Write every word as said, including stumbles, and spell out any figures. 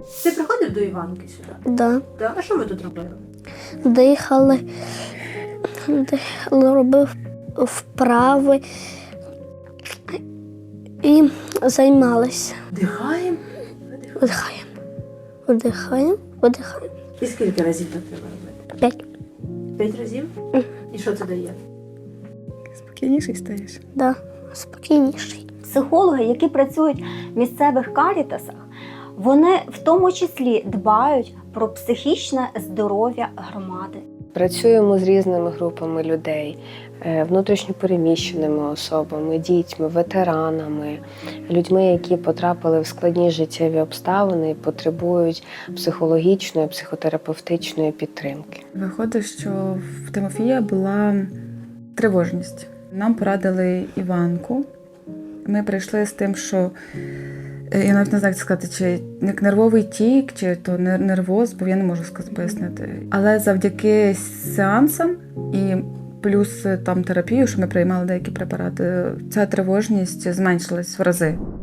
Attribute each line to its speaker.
Speaker 1: Ти приходив до Іванки сюди?
Speaker 2: Да.
Speaker 1: Да? А що ви тут робили?
Speaker 2: Дихали, дихали, робив вправи і займалися.
Speaker 1: Дихаємо?
Speaker 2: Вдихаємо, вдихаємо, видихаємо.
Speaker 1: І скільки разів так треба робити?
Speaker 2: П'ять.
Speaker 1: П'ять разів? І що це дає?
Speaker 3: Спокійніший стаєш.
Speaker 2: Да. Спокійніший.
Speaker 4: Психологи, які працюють в місцевих карітасах, вони в тому числі дбають про психічне здоров'я громади.
Speaker 5: Працюємо з різними групами людей, внутрішньопереміщеними особами, дітьми, ветеранами, людьми, які потрапили в складні життєві обставини і потребують психологічної, психотерапевтичної підтримки.
Speaker 3: Виходить, що в Тимофія була тривожність. Нам порадили Іванку. Ми прийшли з тим, що я навіть не знаю, як сказати, чи як нервовий тік, чи то нервоз, бо я не можу сказати, пояснити. Але завдяки сеансам і плюс там терапію, що ми приймали деякі препарати, ця тривожність зменшилась в рази.